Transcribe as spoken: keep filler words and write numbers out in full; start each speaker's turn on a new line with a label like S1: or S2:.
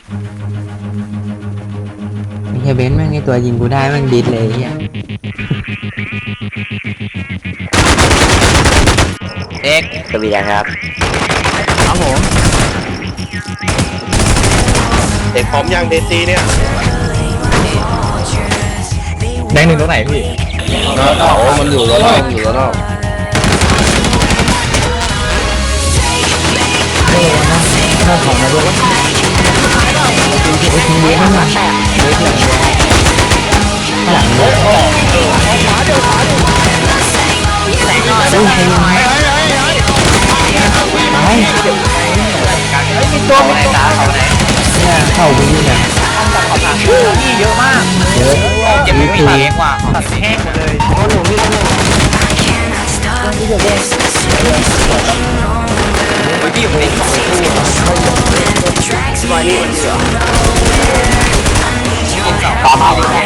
S1: ไอ้เฮียเบนซ์แม่งไอตัวยิงกูได้แม่งดิสเลยไอ้เฮีย
S2: เอ็ก
S3: สวีดันครับ
S2: ครับผม
S4: เด็กพร้อมยังเดซีเนี่ย
S2: แดงหนึ่งตรงไหนพี่
S4: โอ้มันอยู่แล้วนอกอยู่แล้วนอก
S1: ถ้าของมาด้วยไอ้ทีเบนซ์ข้างหลังเบนซ์เลยข้างหลังเลยอุ้ยใครยิงให้ตาย
S2: มีตัวไหนตาเขาไหน
S1: เนี่ยเข้าไปยิงอ่ะ
S2: นี่เยอะมาก
S1: เยอะ
S2: เจ็บไม่มีเองว่ะตัดแห้งหมดเลยโอ้โหพี่เลยพี่อยู่ในสองตู้สบายดีมันเยอะตามมาเลย